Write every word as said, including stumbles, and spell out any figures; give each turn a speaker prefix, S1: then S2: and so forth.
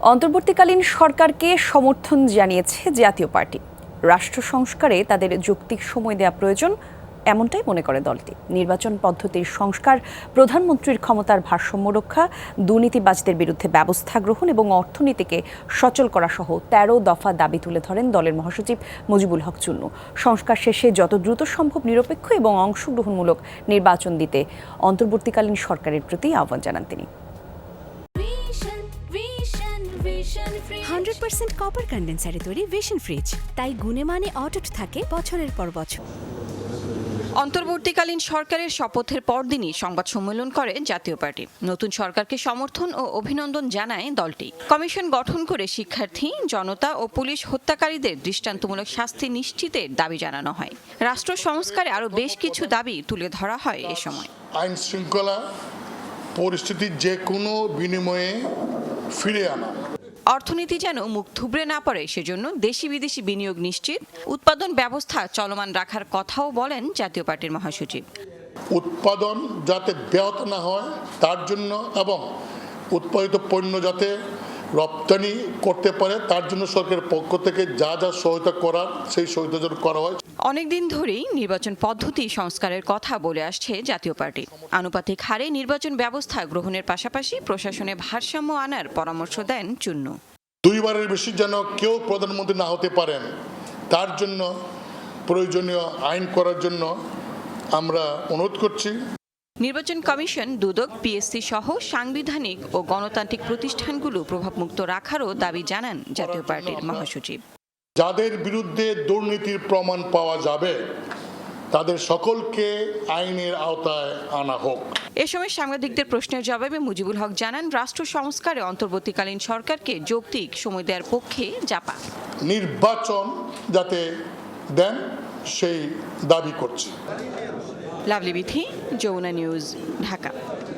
S1: অন্তর্বর্তীকালীন সরকারকে সমর্থন জানিয়েছে জাতীয় পার্টি। রাষ্ট্র সংস্কারে তাদের যৌক্তিক সময় দেওয়া প্রয়োজন, এমনটাই মনে করে দলটি। নির্বাচন পদ্ধতির সংস্কার, প্রধানমন্ত্রীর ক্ষমতার ভারসাম্য রক্ষা, দুর্নীতিবাজদের বিরুদ্ধে ব্যবস্থা গ্রহণ এবং অর্থনীতিকে সচল করা সহ তেরো দফা দাবি তুলে ধরেন দলের মহাসচিব মুজিবুল হক চুন্নু। সংস্কার শেষে যত দ্রুত সম্ভব নিরপেক্ষ এবং অংশগ্রহণমূলক নির্বাচন দিতে অন্তর্বর্তীকালীন সরকারের প্রতি আহ্বান জানান তিনি।
S2: হান্ড্রেড পার্সেন্ট কপার কন্ডেন্সারে তৈরি ভিশন ফ্রিজ, তাই গুণে মানে অটুট থাকে বছরের পর বছর।
S3: অন্তর্বর্তীকালীন সরকারের শপথের পরদিনই সংবাদ সম্মেলন করে জাতীয় পার্টি। নতুন সরকারকে সমর্থন ও অভিনন্দন জানায় দলটি। কমিশন গঠন করে শিক্ষার্থী, জনতা ও পুলিশ হত্যাকারীদের দৃষ্টান্তমূলক শাস্তি নিশ্চিতের দাবি জানানো হয়। রাষ্ট্র সংস্কারে আরও বেশ কিছু দাবি তুলে ধরা হয় এ সময়।
S4: আইন শৃঙ্খলা পরিস্থিতি যে কোনো বিনিময়ে ফিরে আনা,
S3: অর্থনীতি যেন মুখ থুবড়ে না পড়ে সেজন্য দেশি বিদেশি বিনিয়োগ নিশ্চিত, উৎপাদন ব্যবস্থা চলমান রাখার কথাও বলেন জাতীয় পার্টির মহাসচিব।
S4: উৎপাদন যাতে ব্যাহত না হয় তার জন্য এবং উৎপাদিত পণ্য যাতে রপ্তানি করতে পারে তার জন্য সরকারের পক্ষ থেকে যা যা সহায়তা করার সেই সহায়তা যেন করা হয়।
S3: অনেকদিন ধরেই নির্বাচন পদ্ধতি সংস্কারের কথা বলে আসছে জাতীয় পার্টি। আনুপাতিক হারে নির্বাচন ব্যবস্থা গ্রহণের পাশাপাশি প্রশাসনে ভারসাম্য আনার পরামর্শ দেন চুন্নু।
S4: দুইবারের বেশি যেন কেউ প্রধানমন্ত্রী না হতে পারেন তার জন্য প্রয়োজনীয় আইন করার জন্য আমরা অনুরোধ করছি।
S3: নির্বাচন কমিশন, দুদক, পিএসসি সহ সাংবিধানিক ও গণতান্ত্রিক প্রতিষ্ঠানগুলো প্রভাবমুক্ত রাখারও দাবি জানান জাতীয় পার্টির মহাসচিব।
S4: যাদের বিরুদ্ধে দুর্নীতির প্রমাণ পাওয়া যাবে তাদের সকলকে আইনের আওতায় আনা হোক।
S3: এ সময় সাংবাদিকদের প্রশ্নের জবাবে মুজিবুল হক জানান, রাষ্ট্র সংস্কারে অন্তর্বর্তীকালীন সরকারকে যৌক্তিক সময় দেওয়ার পক্ষে জাপা।
S4: নির্বাচন যাতে দেন সেই দাবি করছে।
S3: লাভলি বিথি, যমুনা নিউজ, ঢাকা।